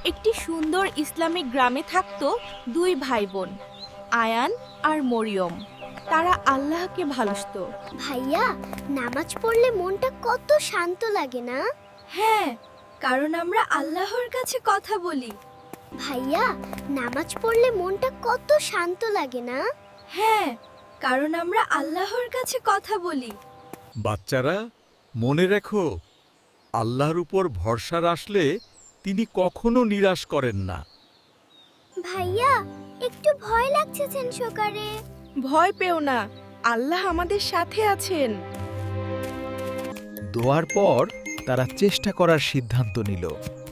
একটি সুন্দর ইসলামিক গ্রামে থাকতো দুই ভাই বোন, আয়ান আর মরিয়ম। তারা আল্লাহকে ভালোবাসতো। ভাইয়া, নামাজ পড়লে মনটা কত শান্ত লাগে না? হ্যাঁ, কারণ আমরা আল্লাহর কাছে কথা বলি। ভাইয়া, নামাজ পড়লে মনটা কত শান্ত লাগে না? হ্যাঁ, কারণ আমরা আল্লাহর কাছে কথা বলি। বাচ্চারা, মনে রেখো, আল্লাহর উপর ভরসা রাখলে তিনি কখনো নিরাশ করেন না। ভাইয়া, একটু ভয় লাগছে সকালে। ভয় পেও না, আল্লাহ আমাদের সাথে আছেন। দোয়ার পর তারা চেষ্টা করার সিদ্ধান্ত নিল।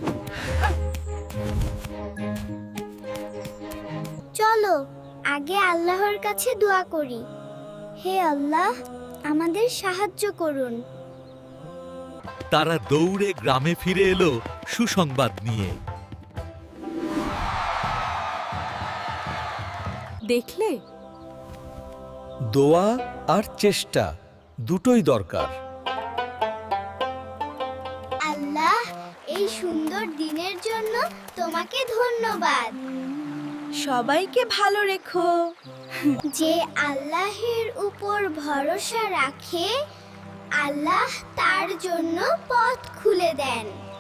চলো আগে আল্লাহর কাছে দোয়া করি। হে আল্লাহ, আমাদের সাহায্য করুন। তারা দৌড়ে গ্রামে ফিরে এলো সুসংবাদ নিয়ে। দেখলে, দোয়া আর চেষ্টা দুটোই দরকার। আল্লাহ, এই সুন্দর দিনের জন্য তোমাকে ধন্যবাদ। সবাইকে ভালো রেখো। যে আল্লাহের উপর ভরসা রাখে, আল্লাহ তার জন্য পথ খুলে দেন।